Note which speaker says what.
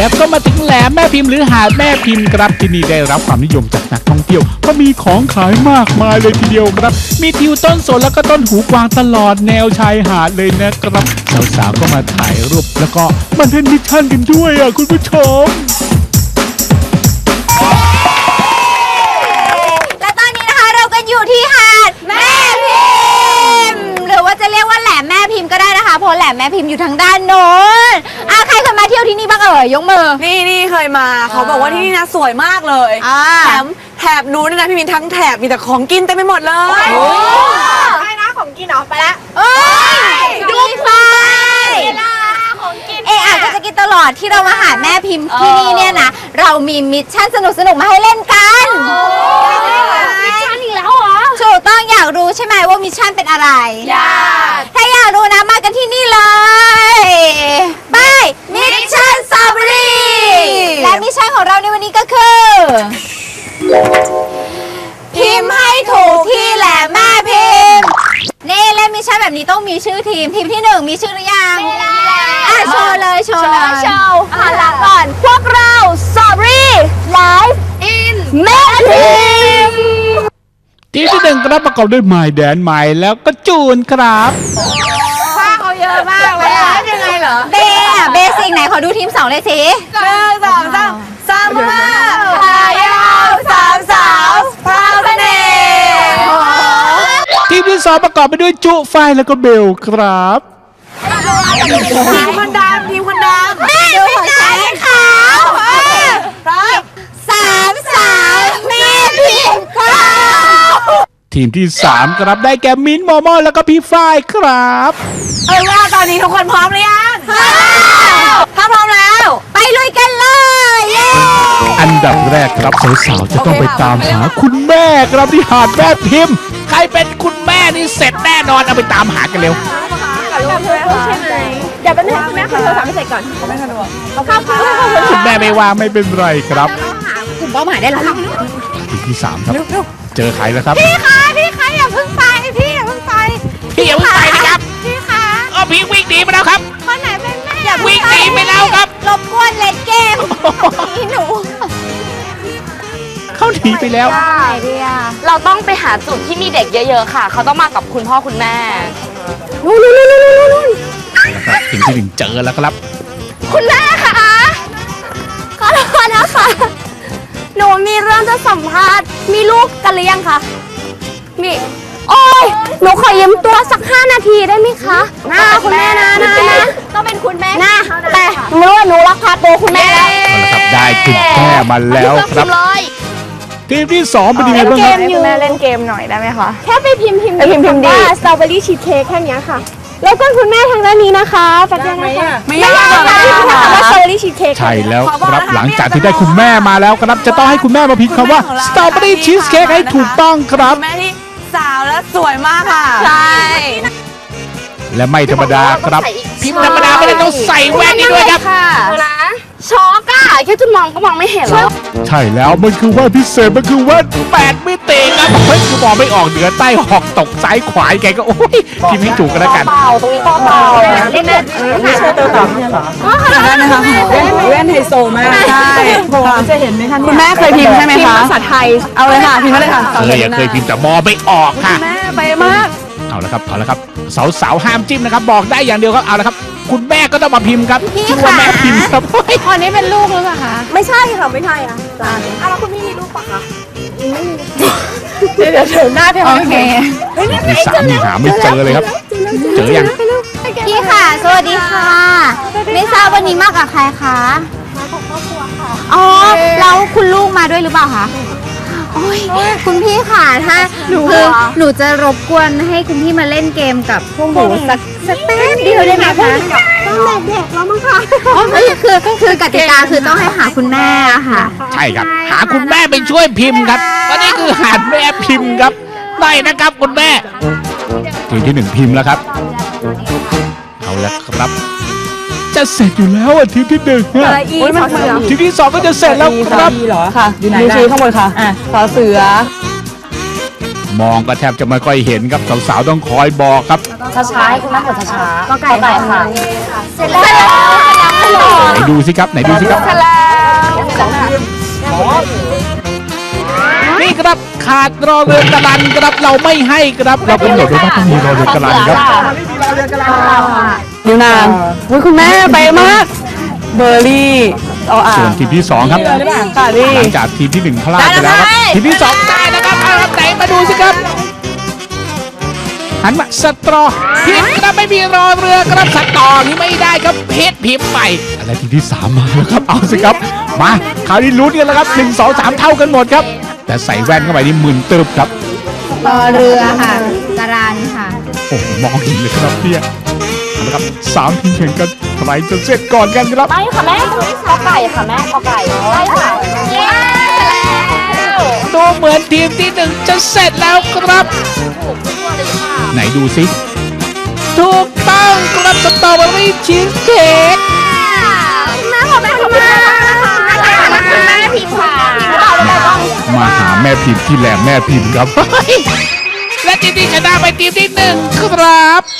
Speaker 1: แล้วก็มาถึงแหลมแม่พิมพ์หรือหาดแม่พิมพ์ครับที่นี่ได้รับความนิยมจากนักท่องเที่ยวเพราะมีของขายมากมายเลยทีเดียวครับมีทิวต้นสนแล้วก็ต้นหูกวางตลอดแนวชายหาดเลยนะครับสาวๆก็มาถ่ายรูปแล้วก็มาเล่นมิชชั่นกันด้วยคุณผู้ชม
Speaker 2: และตอนนี้นะคะเราก็อยู่ที่หาดแม่พิมพ์หรือว่าจะเรียกว่าแหลมแม่พิมพ์ก็ได้นะคะเพราะแหลมแม่พิมพ์อยู่ทางด้านโน้นใครเคยมาเที่ยวที่นี่บ้างยกมือ
Speaker 3: นี่เคยมาเขาบอกว่าที่นี่นะสวยมากเลยแถบนู้นนะพี่มินทั้งแถบมีแต่ของกินเต็มไปหมดเลย
Speaker 2: ใช่นะของกินเหรอไปละดูไฟก็จะกินตลอดที่เรามาหาแม่พิมพ์ที่นี่เนี่ยนะเรามีมิชชั่นสนุกมาให้เล่นกันมิชชั่นอีกแล้วเหรอถูกต้องอยากรู้ใช่ไหมว่ามิชชั่นเป็นอะไรอยากถ้าอยากรู้นะมากันที่นี่เลยไปมิชชั่นสตรอเบอรี่และมิชชั่นของเราในวันนี้ก็คือพิมพ์ให้ถูกที่แหลมแม่พิมพ์นี่เล่นมิชชั่นแบบนี้ต้องมีชื่อทีมที่หนึ่งมีชื่อหรือยังโชว์เลยหันหลังก่อนพวกเราสตรอเบอรี่ไลฟ์อินแม่พิมพ์
Speaker 1: ทีมที่หนึ่งครับประกอบด้วยไมล์แดนไมล์แล้วก็จูนครับ
Speaker 2: ผ้าเขาเยอะมากเลยยังไงเหรอเบสิกไหนขอดูทีม2เลยสิ
Speaker 3: 1 2 3 3 5พายาว3 สาวพาวเสน่ห์
Speaker 1: ทีมที่สองประกอบไปด้วยจุไฟแล้วก็เบลครับ
Speaker 3: ทีมคนดำดูหัวใจ
Speaker 2: ขาว
Speaker 3: ครับ
Speaker 2: 3 สาวแม่พิมพ์ครับ
Speaker 1: ทีมที่3ครับได้แก่มิ้นท์โมโม่แล้วก็พี่ฝ้ายครับ
Speaker 3: ว่าตอนนี้ทุกคนพร้อมหรือยังถ้าพร้อมแล้ว
Speaker 2: ไปลุยกันเลย
Speaker 1: อันดับแรกครับสาวๆจะต้องไปตามหาคุณแม่ครับที่หาดแม่พิมพ์ใครเป็นคุณแม่นี่เสร็จแน่นอนเอาไปตามหากันเร็ว
Speaker 2: อย่าเป็นแม่คุณโทรศัพท์ไม่เสร็จก่อน
Speaker 3: ไม่สะดวก
Speaker 1: คุณแม่ไม่ว่างไม่เป็นไรครับ
Speaker 2: กลุ่มเป้าหมายได้แล้ว
Speaker 1: ทีที่3ครับเจอใครแล้วครับ
Speaker 2: พี่คะอย่าเพิ่งไปพี่อย่าเพิ่งไป
Speaker 1: นะครับ
Speaker 2: พี่คะ
Speaker 1: พี่วิ่งหนีไปแล้วครับ
Speaker 2: คนไหนเป็นแม่
Speaker 1: วิ่งหนีไปแล้วครับ
Speaker 2: รบกวนเล่นเกมนี่หนู
Speaker 1: เขาหนีไปแล้ว
Speaker 4: เราต้องไปหาจุดที่มีเด็กเยอะๆค่ะเขาต้องมากับคุณพ่อคุณแม่
Speaker 1: นู่นนะครับทีมที่1เจอแล้วครับ
Speaker 4: คุณแม่ค่ะขอโทษนะคะหนูมีเรื่องจะสัมภาษณ์มีลูกกันหรือยังคะนี่โอ้ยหนูขอยืมตัวสัก5 นาทีได้ไหมคะคุณแม่นะ
Speaker 2: ต้องเป็นคุณแม่
Speaker 4: นะแต่หนูว่าหนูรักพาตัวคุณแม่แล้ว
Speaker 1: ได้คุณแม่มาแล้วครับทีมที่2เป็นยังไงบ้างครับ
Speaker 4: แม่เล่นเกมหน่อยได้ไหมคะ
Speaker 2: แค่ไปพิมพ์
Speaker 4: ดี
Speaker 2: สตรอเบอรี่ชีสเค้กแค่นี้ค่ะแล้วก็คุณแม่ทางด้านนี้นะคะปัจจัยนะคะ
Speaker 3: ไม่ยาก
Speaker 2: ค่ะว่าสตรอเบอรี่ชีสเค้ก
Speaker 1: ใช่แล้วครับหลังจากที่ได้คุณแม่มาแล้วครับจะต้องให้คุณแม่มาพิมพ์คำว่าสตรอเบอรี่ชีสเค้กให้ถูกต้องครับ
Speaker 3: แม่ที่สาวและสวยมากค่ะ
Speaker 4: ใช่
Speaker 1: และไม่ธรรมดาครับพิมพ์ธรรมดาไม่ได้ต้องใส่แว่นนี่ด้วยครับ
Speaker 4: ช็อกอะแค่จะมองก็มองไม่เห็นแล้ว
Speaker 1: ใช่แล้วมันคือแว่นพิเศษมันคือแว่น8 มิติครับเฮ้ยคือมองไม่ออกเหนือใต้หอกตกซ้ายขวาแกก็โอ้ยพิมพ์ให้ถูกกันแล้วกัน
Speaker 4: ตรงนี้เปล่า
Speaker 3: เล่นไม่ใช่ตัวต่อเนี่ยหรอได้ไหมคะแว่นไฮโซมากใช่จะเห็นไหมคะคุณแม่เคยพิมพ์ใช่ไหมคะภาษาไทยเอาเลยค่ะพิมพ์มาเลยค่ะ
Speaker 1: เคยพิมพ์แต่มองไม่ออกค่ะ
Speaker 3: แม่ไปมาก
Speaker 1: เอาละครับสาวห้ามจิ้มนะครับบอกได้อย่างเดียวครับเอาละครับคุณแม่ก็ต้องมาพิมพ์ครับชื่อว่าแม่พิมพ์ครับ
Speaker 2: คนนี้เป็นลูกหรือเปล่าคะ
Speaker 3: ไม่ใช่ค่ะไม่ใช่ค่ะแล้วคุณพี่มีลูกปะคะเดี๋ยวหน้าเธอ
Speaker 2: โอเค
Speaker 1: ที่3นี่หาไม่เจอเลยครับเจอยัง
Speaker 2: พี่ค่ะสวัสดีค่ะไม่ทราบวันนี้มากับใครคะมากับครอบครัวค่ะแล้วคุณลูกมาด้วยหรือเปล่าคะคุณพี่ค่ะถ้าคือหนูจะรบกวนให้คุณพี่มาเล่นเกมกับพวกหนูสักแป๊บเดียวได้ไหมคะต้องเด็กแล้วมั้งคะคือกติกาคือต้องให้หาคุณแม่ค่ะ
Speaker 1: ใช่ครับหาคุณแม่ไปช่วยพิมพ์ครับวันนี้คือหาแม่พิมพ์ครับได้นะครับคุณแม่ทีมที่1พิมพ์แล้วครับเอาละครับจะเสร็จอยู่แล้วทีมที่1ทีมที่2ก็จะเสร็จแล้วครับ
Speaker 3: เหรอค่ะอยู่ไหนชี้ข้างบนค่ะสอเสือ
Speaker 1: มองก็แทบจะไม่ค่อยเห็นครับสาวๆต้องคอยบอกครับ
Speaker 3: ช้าๆให้คุณแม่กดช้าๆก็ไก่ค่ะ
Speaker 4: เสร็จแล้ว
Speaker 1: ไหนดูสิครับไหนดูสิครับ
Speaker 4: เสร็จแล้ว
Speaker 1: นี่ครับขาดรอเรือกระลันครับเราไม่ให้ครับเรากำหนดไว้ว่าต้องมีรอเรือกระลันครับ
Speaker 3: นิ้วนางอุ้ยคุณแม่ไปมากเบอร์รี่เอาอ่า
Speaker 1: ส่วนทีมที่สองครับ
Speaker 3: ค่ะนี่
Speaker 1: หลังจากทีมที่หนึ่งพลาดไปแล้วครับทีมที่สองได้นะครับเอาครับไหนมาดูสิครับหันมาสตรอพิมพ์ครับไม่มีรอเรือครับสตอนี่ไม่ได้ครับเพชรพิมพ์ไปอะไรทีมที่สามมาแล้วครับเอาสิครับมาคราวนี้ลุ้นกันแล้วครับ1 2 3เท่ากันหมดครับแต่ใส่แว่นเข้าไปนี่มึนตึบครับ
Speaker 2: รอเรือค่ะกระรานค่ะ
Speaker 1: โอ้โหมองเห็นเลยครับเนี่ยเอาละครับ3ทีมแข่งกันใครจะเสร็จก่อนกันครับ
Speaker 4: ไปค่ะแม่กอไก่ค่ะแม่กอไก่ไปค่ะเย้แล้ว
Speaker 1: ดูเหมือนทีมที่หนึ่งจะเสร็จแล้วครับ ไหนดูสิถูกต้องครับสตรอเบอรี่ชีสเค้ก
Speaker 4: แม่ขอแม่ขอแม่แม่พิมพ์ค่ะ
Speaker 1: มาหาแม่พิมพ์ที่แหลมแม่พิมพ์ครับ และทีมที่ชนะไปทีมที่หนึ่งครับ